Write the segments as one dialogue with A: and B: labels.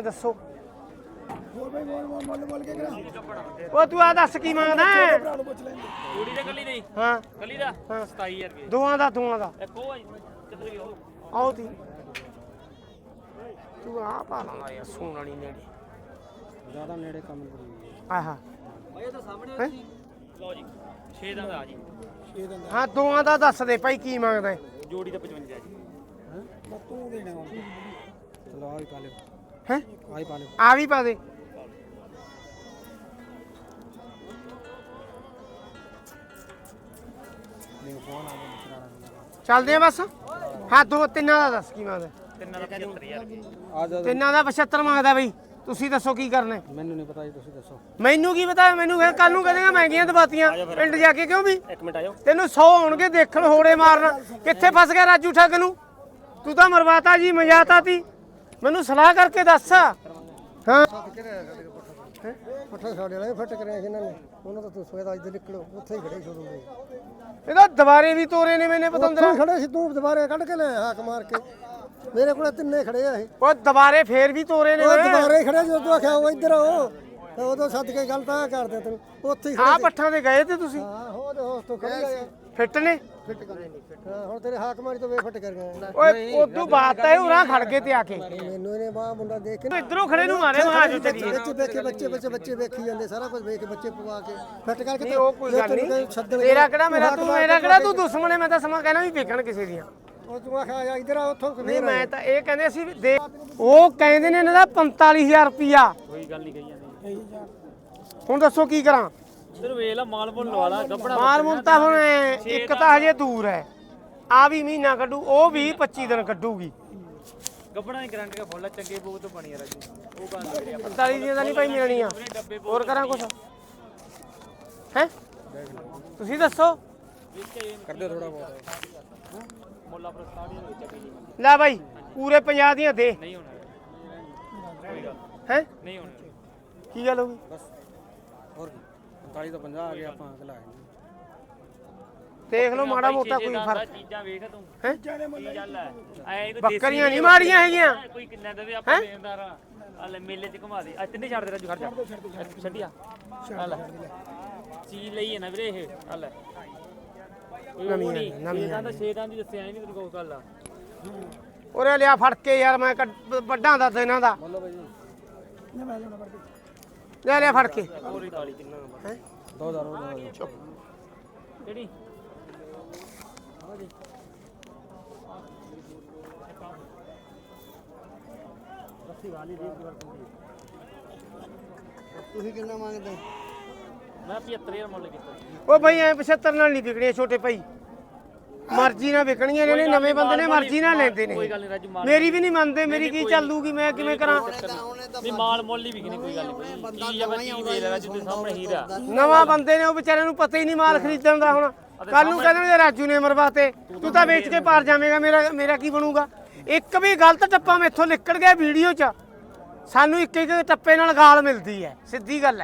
A: ਦੱਸੋ ਉਹ ਤੂੰ ਆ ਦੱਸ ਕੀ ਮੰਗਦਾ
B: ਕੁੜੀ ਦੇ ਕੱਲੀ ਨਹੀਂ
A: ਹਾਂ
B: ਕੱਲੀ ਦਾ 27000 ਰੁਪਏ
A: ਦੋਵਾਂ ਦਾ
B: ਇੱਕ ਉਹ ਆ ਜੀ ਕਿੱਧਰ ਗਿਆ ਉਹ
A: ਆਓ ਤੀ ਤੂੰ ਆ ਪਾ ਲਾਂਗਾ ਯਾਰ ਸੋਣ ਵਾਲੀ ਨੇੜੇ
C: ਜ਼ਿਆਦਾ ਨੇੜੇ ਕੰਮ ਕਰੀ
A: ਆਹਾ
B: ਇਹ ਤਾਂ ਸਾਹਮਣੇ ਸੀ ਲਓ ਜੀ 6 ਦਾ ਆ ਜੀ
A: ਹਾਂ ਦੋਵਾਂ ਦਾ ਦੱਸ ਦੇ ਭਾਈ ਕੀ ਮੰਗਦਾ ਹੈ?
B: ਜੋੜੀ ਦਾ 55 ਜੀ
C: ਹਾਂ ਤੂੰ ਦੇਣਾ ਚਲੋ ਆ ਵੀ ਪਾ ਲਿਓ
A: ਹੈਂ
C: ਆ ਹੀ ਪਾ ਲਿਓ
A: ਆ ਵੀ ਪਾ ਦੇ
C: ਨਹੀਂ ਫੋਨ ਆ ਗਿਆ
A: ਚੱਲਦੇ ਆ ਬਸ ਹਾਂ ਦੋ ਤਿੰਨਾਂ ਦਾ ਦੱਸ ਕੀ ਮੰਗਦਾ
B: ਤਿੰਨਾਂ ਦਾ 75000 ਰੁਪਏ
C: ਆ ਜਾ
A: ਤਿੰਨਾਂ ਦਾ 75 ਮੰਗਦਾ ਬਈ ਤੁਸੀਂ ਦੱਸੋ ਕੀ ਕਰਨਾ ਹੈ?
C: ਮੈਨੂੰ ਨਹੀਂ ਪਤਾ ਜੀ ਤੁਸੀਂ ਦੱਸੋ
A: ਮੈਨੂੰ ਕੀ ਪਤਾ ਮੈਨੂੰ ਫਿਰ ਕੱਲ ਨੂੰ ਕਹਿੰਦੇ ਮਹਿੰਗੀਆਂ ਦਵਾਤੀਆਂ ਪਿੰਡ ਜਾ ਕੇ ਕਿਉਂ ਵੀ
B: ਇੱਕ ਮਿੰਟ ਆਇਓ
A: ਤੈਨੂੰ 100 ਆਉਣਗੇ ਦੇਖਣ ਹੋੜੇ ਮਾਰਨਾ ਕਿੱਥੇ ਫਸ ਗਿਆ ਰਾਜੂ ਠੱਗ ਨੂੰ ਤੂੰ ਤਾਂ ਮਰਵਾਤਾ ਜੀ ਮਜਾਤਾ ਤੀ ਮੈਨੂੰ ਸਲਾਹ ਕਰਕੇ ਦੱਸ ਹਾਂ
C: ਪੱਠਾ ਸਾਡੇ ਵਾਲੇ ਫਟ ਕਰਿਆ ਇਹਨਾਂ ਨੇ ਉਹਨਾਂ ਦਾ ਤੂੰ ਸਵੇਦਾ ਇੱਧਰ ਨਿਕਲੋ ਉੱਥੇ ਹੀ ਖੜੇ ਸ਼ੁਰੂ ਹੋਏ
A: ਇਹਦਾ ਦੁਬਾਰੇ ਵੀ ਤੋਰੇ ਨੇ ਮੈਨੇ ਪਤੰਦਰਾ
C: ਖੜੇ ਸੀ ਤੂੰ ਦੁਬਾਰੇ ਕੱਢ ਕੇ ਲੈ ਹਾਕ ਮਾਰ ਕੇ ਮੇਰੇ ਕੋਲ ਤਿੰਨੇ ਖੜੇ ਆ ਇਹ
A: ਉਹ ਦੁਬਾਰੇ ਫੇਰ ਵੀ ਤੋਰੇ ਨੇ
C: ਉਹ ਦੁਬਾਰੇ ਖੜੇ ਜਦੋਂ ਤੂੰ ਆਖਿਆ ਉਹ ਇੱਧਰ ਆਓ ਤੇ ਉਦੋਂ ਸੱਦ ਕੇ ਗੱਲ ਤਾਂ ਕਰਦੇ ਤੈਨੂੰ ਉੱਥੇ ਹੀ
A: ਆਹ ਪੱਠਾਂ ਤੇ ਗਏ ਤੇ ਤੁਸੀਂ
C: ਹਾਂ ਹੋ ਤੇ ਹੋਸ ਤੋਂ ਖੜੀ ਆ
A: ਫਿੱਟ ਨੇ
C: ਫਿੱਟ ਕਰ ਹਾਂ ਹੁਣ ਤੇਰੇ ਹਾਕ ਮਾਰੀ ਤੋਂ ਵੇ ਫਟ ਕਰ ਗਏ
A: ਓਏ ਉਦੋਂ ਬਾਤ ਹੈ ਉਰਾਂ ਖੜ ਗਏ ਤੇ ਆ ਕੇ
C: ਮੈਨੂੰ ਇਹਨੇ ਬਾਹ ਮੁੰਡਾ ਦੇਖ ਕੇ
A: ਤੂੰ ਇਧਰੋਂ ਖੜੇ ਨੂੰ ਮਾਰੇ ਮਹਾਜੋ ਚੱਲੀਏ
C: ਵਿੱਚ ਵੇਖੇ ਬੱਚੇ ਵੇਖੀ ਜਾਂਦੇ ਸਾਰਾ ਕੁਝ ਵੇਖ ਕੇ ਬੱਚੇ ਪਵਾ ਕੇ ਫਿੱਟ ਕਰਕੇ
A: ਨਹੀਂ ਉਹ ਕੋਈ ਗੱਲ ਨਹੀਂ ਤੇਰਾ ਕਿਹੜਾ ਮੇਰਾ ਕਿਹੜਾ ਤੂੰ ਦੁਸ਼ਮਣ ਹੈ ਮੈਂ ਤਾਂ ਸਮਾਂ ਕਹਿਣਾ ਵੀ ਵੇਖਣ ਕਿਸੇ ਦੀਆਂ
C: ਉਹ ਤੂੰ ਆਖਿਆ ਇੱਧਰ ਆ ਉੱਥੋਂ
A: ਨਹੀਂ ਮੈਂ ਤਾਂ ਇਹ ਕਹਿੰਦੇ ਸੀ ਵੀ ਦੇ ਉਹ ਕਹਿੰਦੇ ਨੇ ਇਹਨਾਂ ਦਾ 45000 ਰੁਪਿਆ
B: ਕੋਈ ਗੱਲ ਨਹੀਂ ਕਹੀ ਜਾਂਦੀ
A: ਹੁਣ ਦੱਸੋ ਕੀ ਕਰਾਂ
B: ਫਿਰ ਵੇਖ ਲਾ ਮਾਲ ਮੁੱਲ ਲਵਾ ਲਾ ਗੱਬੜਾ
A: ਮਾਲ ਮੁੱਲ ਤਾਂ ਹੁਣ ਇੱਕ ਤਾਂ ਹਜੇ ਦੂਰ ਹੈ ਆ ਵੀ ਮਹੀਨਾ ਕੱਢੂ ਉਹ ਵੀ 25 ਦਿਨ ਕੱਢੂਗੀ
B: ਗੱਬੜਾ ਦੀ ਗਰੰਟੀ ਦਾ ਫੁੱਲ ਚੰਗੇ ਬੋਗ ਤੋਂ ਬਣੀ ਆ ਰਾਜੂ ਉਹ ਗੱਲ ਕਰਿਆ
A: 45 ਦੀਆਂ ਤਾਂ ਨਹੀਂ ਭਾਈ ਮਿਲਣੀਆਂ ਹੋਰ ਕਰਾਂ ਕੁਛ ਹੈ ਤੁਸੀਂ ਦੱਸੋ
C: ਕਰਦੇ ਥੋੜਾ ਬਹੁਤ
B: ਮੁੱਲ ਆਪਣਾ 60 ਦੇ ਵਿੱਚ ਵੀ
A: ਲੈ ਭਾਈ ਪੂਰੇ 50 ਦੀਆਂ ਦੇ
B: ਨਹੀਂ ਹੋਣਾ ਕੋਈ ਗੱਲ
A: ਹੈ
B: ਨਹੀਂ ਹੋਣਾ
A: ਕੀ ਗੱਲ ਹੋ ਗਈ
C: ਬਸ ਹੋਰ 45 ਤੋਂ 50 ਆ ਗਏ ਆਪਾਂ ਅਗਲਾ
A: ਦੇਖ ਲਓ ਮਾੜਾ ਮੋਟਾ ਕੋਈ ਫਰਕ
B: ਚੀਜ਼ਾਂ ਵੇਖ ਤੂੰ
A: ਹੈ
B: ਕੀ ਗੱਲ ਹੈ ਐ ਕੋਈ
A: ਬੱਕਰੀਆਂ ਨਹੀਂ ਮਾੜੀਆਂ ਹੈਗੀਆਂ
B: ਕੋਈ ਕਿੰਨਾ ਦੇਵੇ ਆਪਾਂ ਦੇਣਦਾਰ ਆ ਲੈ ਮੇਲੇ 'ਚ ਘੁਮਾ ਦੇ ਅੱਜ ਤਿੰਨੇ ਛੱਡ ਦੇ ਰਾਜੂ ਖੜ ਜਾ ਛੱਡਿਆ ਆ ਲੈ ਚੀਜ਼ ਲਈ ਹੈ ਨਾ ਵੀਰੇ ਇਹ ਆ ਲੈ ਨਵੀਂ ਦਾ ਛੇਦਾਂ ਦੀ ਦੱਸਿਆ ਨਹੀਂ ਤੈਨੂੰ ਕੋਈ ਗੱਲ ਆ
A: ਉਰੇ ਲਿਆ ਫੜ ਕੇ ਯਾਰ ਮੈਂ ਵੱਡਾਂ ਦਾ ਇਹਨਾਂ ਦਾ
C: ਬੋਲੋ ਬਾਈ ਜੀ
A: ਲੈ ਲਿਆ ਫੜ ਕੇ
B: ਹੋਰੀ ਕਾਲੀ ਕਿੰਨਾ
A: ਹੈ
C: 2000
A: ਚੁੱਪ
B: ਕਿਹੜੀ
C: ਤੁਸੀਂ ਕਿੰਨਾ ਮੰਗਦੇ
B: ਮੈਂ 75000 ਮੁੱਲ ਕੀਤਾ
A: ਉਹ ਭਾਈ ਐ 75 ਨਾਲ ਨਹੀਂ ਵਿਕਣੀਆਂ ਛੋਟੇ ਭਾਈ ਮਰਜ਼ੀ ਨਾਲ ਵਿਕਣੀਆਂ ਨੇ ਨਵੇਂ ਬੰਦੇ ਨੇ ਮਰਜ਼ੀ ਨਾਲ ਲੈਂਦੇ ਨੇ
B: ਕੋਈ ਗੱਲ ਨਹੀਂ ਰਾਜੂ ਮਾਲ
A: ਮੇਰੀ ਵੀ ਨਹੀਂ ਮੰਨਦੇ ਮੇਰੀ ਕੀ ਚੱਲੂਗੀ ਮੈਂ ਕਿਵੇਂ ਕਰਾਂ
B: ਨਹੀਂ ਮਾਲ ਮੁੱਲ ਹੀ ਵਿਕਣੀ ਕੋਈ ਗੱਲ ਨਹੀਂ ਚੀਜ਼ ਆ ਬੱਚੀ ਦੇ ਲੈ ਰਾਜੂ ਦੇ ਸਾਹਮਣੇ ਹੀਰਾ
A: ਨਵਾਂ ਬੰਦੇ ਨੇ ਉਹ ਵਿਚਾਰਿਆਂ ਨੂੰ ਪਤਾ ਹੀ ਨਹੀਂ ਮਾਲ ਖਰੀਦਣ ਦਾ ਹੁਣ ਕੱਲ ਨੂੰ ਕਹਿੰਦੇ ਰਾਜੂ ਨੇ ਮਰਵਾਤੇ ਤੂੰ ਤਾਂ ਵੇਚ ਕੇ ਪਾਰ ਜਾਵੇਂਗਾ ਮੇਰਾ ਕੀ ਬਣੂਗਾ ਇੱਕ ਵੀ ਗਲਤ ਟੱਪਾ ਮੈਥੋਂ ਨਿਕਲ ਗਿਆ ਵੀਡੀਓ 'ਚ ਸਾਨੂੰ ਇੱਕ ਇੱਕ ਟੱਪੇ ਨਾਲ ਗਾਲ ਮਿਲਦੀ ਹੈ ਸਿੱਧੀ ਗੱਲ ਹੈ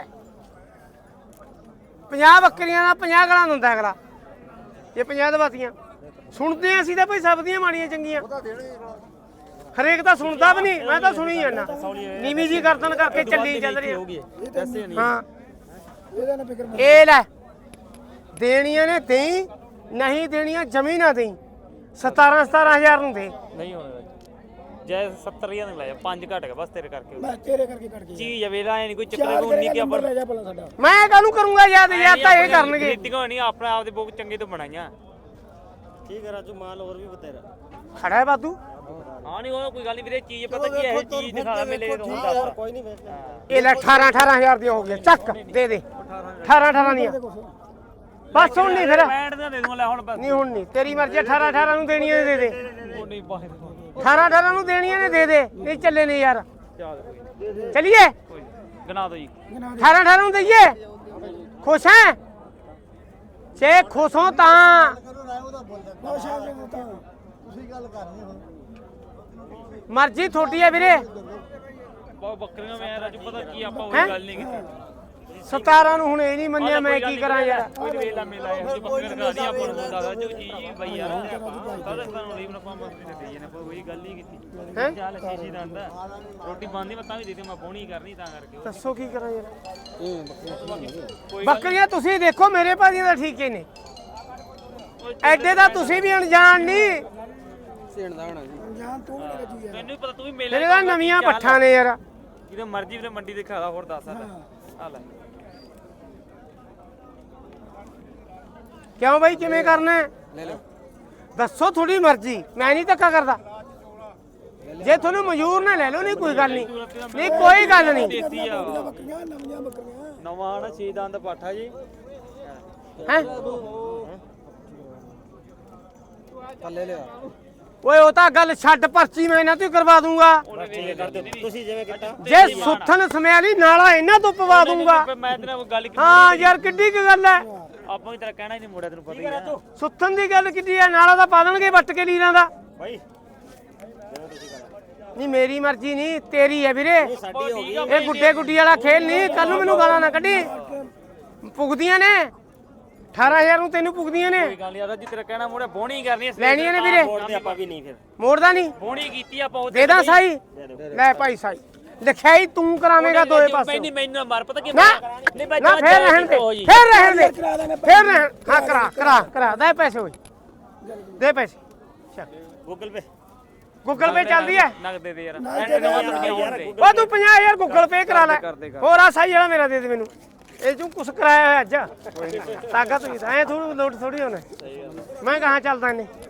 A: 50 ਬੱਕਰੀਆਂ ਨਾਲ 50 ਗਾਲਾਂ ਦਿੰਦਾ ਅਗਲਾ ਇਹ 50 ਦਵਾਤੀਆਂ ਸੁਣਦੇ ਅਸੀਂ ਤਾਂ ਭਾਈ ਸਭ ਦੀਆਂ ਮਾੜੀਆਂ ਚੰਗੀਆਂ ਹਰੇਕ ਤਾਂ ਸੁਣਦਾ ਵੀ ਨਹੀਂ ਮੈਂ ਤਾਂ ਸੁਣੀ ਜਾਂਦਾ ਨੀਵੀਂ ਜੀ ਗਰਦਨ ਕਰਕੇ ਚੱਲੀ ਚੱਲ ਰਹੀ ਹਾਂ ਇਹ ਲੈ ਦੇਣੀਆਂ ਨੇ ਦੇਈ ਨਹੀਂ ਦੇਣੀਆਂ ਜਮੀ ਨਾ ਦੇਈ 17,000 ਨੂੰ ਦੇ
B: ਨਹੀਂ ਹੋਣਾ ਜੈ 70000 ਨੂੰ ਲੈ ਜਾ 5 ਘਟ ਗਿਆ ਬਸ ਤੇਰੇ ਕਰਕੇ
C: ਮੈਂ ਤੇਰੇ ਕਰਕੇ ਕੱਢ
B: ਚੀਜ਼ ਆ ਵੇਲਾ ਨਹੀਂ ਕੋਈ ਚੱਕਰ ਕੋਈ ਨਹੀਂ ਕਿ ਆਪਾਂ
C: ਲੈ ਜਾ ਭਲਾ ਸਾਡਾ
A: ਮੈਂ ਕਾਹਨੂੰ ਕਰੂੰਗਾ ਯਾਦ ਤਾਂ ਇਹ ਕਰਨਗੇ
B: ਨੀਤੀਆਂ ਨਹੀਂ ਆਪਣਾ ਆਪਦੇ ਬੋਕ ਚੰਗੇ ਤੋਂ ਬਣਾਈਆਂ
C: ਠੀਕ ਹੈ ਰਾਜੂ ਮਾਲ ਹੋਰ ਵੀ ਬਤੇਰਾ
A: ਖੜਾ ਹੈ ਬਾਦੂ
B: ਹਾਂ ਨਹੀਂ ਉਹ ਕੋਈ ਗੱਲ ਨਹੀਂ ਵੀਰੇ ਚੀਜ਼ ਪਤਾ ਕੀ ਹੈ ਇਹ ਚੀਜ਼ ਦਿਖਾ ਮੇਲੇ ਤੋਂ ਹੁੰਦਾ
C: ਕੋਈ ਨਹੀਂ ਵੇਚ
A: ਇਹ ਲੈ 18,000 ਦੀਆਂ ਹੋ ਗਈਆਂ ਚੱਕ ਦੇ ਦੇ 18 ਦੀਆਂ ਬਸ ਹੁਣ ਨਹੀਂ ਫਿਰ
B: 65 ਦਾ ਦੇ ਦੂੰਗਾ ਲੈ ਹੁਣ ਬਸ
A: ਨਹੀਂ ਹੁਣ ਨਹੀਂ ਤੇਰੀ ਮਰਜ਼ੀ 18 ਨੂੰ ਦੇਣੀਆਂ ਨੇ ਦੇ ਦੇ
B: ਉਹ ਨਹੀਂ ਬਾਹਰ
A: 18 ਨੂੰ ਦੇਣੀਆਂ ਨੇ ਦੇ ਦੇ ਨਹੀਂ ਚੱਲੇ ਨੇ ਯਾਰ
B: ਚੱਲ
A: ਚਲਿਏ
B: ਕੋਈ ਗਨਾ ਦੋ ਜੀ
A: 18 ਨੂੰ ਦਈਏ ਖੁਸ਼ ਹੈ ਜੇ ਖੁਸ਼ ਹੋ ਤਾਂ
C: ਤੁਸੀਂ ਗੱਲ ਕਰਨੀ ਹੁਣ
A: ਮਰਜ਼ੀ ਤੁਹਾਡੀ ਹੈ ਵੀਰੇ
B: ਬਹੁਤ ਬੱਕਰੀਆਂ ਮੈਂ ਰਾਜੂ ਪਤਾ ਕੀ ਆਪਾਂ ਉਹ ਗੱਲ ਨਹੀਂ ਕੀਤੀ
A: 17 ਨੂੰ ਹੁਣ ਇਹ ਨਹੀਂ ਮੰਨਿਆ ਮੈਂ ਕੀ ਕਰਾਂ ਯਾਰ
B: ਕੋਈ ਵੇਲਾ ਮੇਲਾ ਇਹ ਜੀ ਬੱਕਰੀ ਲਗਾ ਦੀ ਆਪਾਂ ਨੂੰ ਦੱਸਦਾ ਜੋ ਜੀ ਬਈ ਯਾਰ ਕਦੇ ਸਾਨੂੰ ਲੀਵ ਨਾ ਪਾਵਾਂ ਤੇ ਦੇ ਨੇ ਕੋਈ ਗੱਲ ਹੀ ਕੀਤੀ
A: ਹੈਂ?
B: ਚੱਲ ਸ਼ੀਸ਼ੀ ਦਾ ਆਂਦਾ ਰੋਟੀ ਬੰਦੀ ਮੈਂ ਤਾਂ ਵੀ ਦੇ ਦੇ ਮੈਂ ਪੌਣੀ ਕਰਨੀ ਤਾਂ ਕਰਕੇ
A: ਦੱਸੋ ਕੀ ਕਰਾਂ ਯਾਰ
B: ਕੋਈ
A: ਬੱਕਰੀਆਂ ਤੁਸੀਂ ਦੇਖੋ ਮੇਰੇ ਭਾਜੀਆਂ ਦਾ ਠੀਕੇ ਨੇ ਐਡੇ ਦਾ ਤੁਸੀਂ ਵੀ ਅਣਜਾਣ ਨਹੀਂ
B: ਮੈਨੂੰ ਵੀ ਪਤਾ ਤੂੰ ਵੀ ਮੇਲੇ
A: ਤੇਰੇ ਦਾ ਨਵੀਆਂ ਪੱਠਾਂ ਨੇ ਯਾਰ
B: ਜਦੋਂ ਮਰਜ਼ੀ ਵੀਰੇ ਮੰਡੀ ਦੇ ਖਾਦਾ ਹੋਰ ਦੱਸ ਆ ਲੈ
A: ਕਿਉਂ ਬਾਈ ਕਿਵੇਂ ਕਰਨਾ ਹੈ? ਦੱਸੋ ਤੁਹਾਡੀ ਮਰਜ਼ੀ ਮੈਂ ਨਹੀਂ ਧੱਕਾ ਕਰਦਾ ਜੇ ਤੁਹਾਨੂੰ ਮਨਜ਼ੂਰ ਨਾ ਲੈ ਲਓ ਨਹੀਂ ਕੋਈ ਗੱਲ ਨਹੀਂ ਨਹੀਂ ਕੋਈ ਗੱਲ ਨਹੀਂ
B: ਦੇਤੀ ਆ
C: ਬੱਕਰੀਆਂ ਨਵੀਆਂ ਬੱਕਰੀਆਂ
B: ਨਵਾਂ ਨਾ 6 ਦੰਦ ਪਾਠਾ ਜੀ
A: ਹੈ
C: ਥੱਲੇ ਲਿਆ
A: ਓਏ ਉਹ ਤਾਂ ਗੱਲ ਛੱਡ ਪਰਚੀ ਮੈਂ ਇਹਨਾਂ ਤੋਂ ਹੀ ਕਰਵਾ ਦੂੰਗਾ
B: ਤੁਸੀਂ ਜਿਵੇਂ ਕੀਤਾ
A: ਜੇ ਸੁੱਥਨ ਸਮਿਆਲੀ ਨਾਲਾ ਇਹਨਾਂ ਤੋਂ ਪਵਾ ਦੂੰਗਾ
B: ਮੈਂ ਤੇਰੇ ਨਾਲ ਗੱਲ ਕੀਤੀ
A: ਹਾਂ ਯਾਰ ਕਿੱਡੀ ਕੁ ਗੱਲ ਹੈ
B: ਆਪਾਂ ਵੀ ਤੇਰਾ ਕਹਿਣਾ ਹੀ ਨਹੀਂ ਮੋੜਿਆ ਤੈਨੂੰ ਪਤਾ ਹੀ ਆ
A: ਸੁੱਥਨ ਦੀ ਗੱਲ ਕਿੱਡੀ ਹੈ ਨਾਲਾ ਤਾਂ ਪਾ ਦੇਣਗੇ ਵੱਟ ਕੇ ਲੀਰਾਂ ਦਾ
B: ਬਾਈ
A: ਨਹੀਂ ਮੇਰੀ ਮਰਜ਼ੀ ਨਹੀਂ ਤੇਰੀ ਹੈ ਵੀਰੇ ਇਹ ਗੁੱਡੇ ਗੁੱਡੀ ਵਾਲਾ ਖੇਲ ਨਹੀਂ ਕੱਲ ਨੂੰ ਮੈਨੂੰ ਗਾਲਾਂ ਨਾ ਕੱਢੀ ਪੁੱਗਦੀਆਂ ਨੇ 18000 ਨੂੰ ਤੈਨੂੰ ਪੁੱਗਦੀਆਂ ਨੇ
B: ਕੋਈ ਗੱਲ ਯਾਰ ਜੀ ਤੇਰਾ ਕਹਿਣਾ ਮੋੜਿਆ ਬੋਣੀ ਕਰਨੀ
A: ਲੈਣੀਆਂ ਨੇ ਵੀਰੇ
B: ਮੋੜਦੇ ਆਪਾਂ ਵੀ ਨਹੀਂ ਫਿਰ
A: ਮੋੜਦਾ ਨਹੀਂ
B: ਬੋਣੀ ਕੀਤੀ ਆਪਾਂ ਉਹ
A: ਦੇ ਦਾਂ ਸਾਈ ਲੈ ਭਾਈ ਸਾਈ ਲਿਖਾਈ ਤੂੰ ਕਰਾਵੇਂਗਾ ਦੋਏ ਪਾਸੇ
B: ਮੈਨੂੰ ਮਾਰ ਪਤਾ ਕਿ
A: ਨਾ
B: ਨਹੀਂ ਮੈਂ
A: ਨਾ ਫੇਰ ਰਹਿਣ ਦੇ ਫੇਰ ਰਹਿਣ ਦੇ ਫੇਰ ਰਹਿਣ ਹਾਂ ਕਰਾ ਦੇ ਪੈਸੇ ਹੋਏ ਦੇ ਪੈਸੇ ਚੱਲ
B: ਗੂਗਲ ਪੇ
A: ਗੂਗਲ ਪੇ ਚੱਲਦੀ ਹੈ
B: ਨਗਦ ਦੇ ਦੇ ਯਾਰ ਐਂਡ ਨਵਾਂ ਦੁਨੀਆ ਹੋਣ ਦੇ
A: ਉਹ ਤੂੰ 50000 ਗੂਗਲ ਪੇ ਕਰਾ ਲੈ ਹੋਰ ਆ ਸਾਈ ਵਾਲਾ ਮੇਰਾ ਦੇ ਦੇ ਮੈਨੂੰ ਇਹ ਤੂੰ ਕੁਛ ਕਰਾਇਆ ਹੋਇਆ ਅੱਜ ਤਾਕਤ ਹੋਈ ਤਾਂ ਐ ਥੋੜੀ ਲੋਟ ਥੋੜੀ ਹੋਣਾ ਮੈਂ ਕਹਾਂ ਚੱਲਦਾ ਇਹਨੇ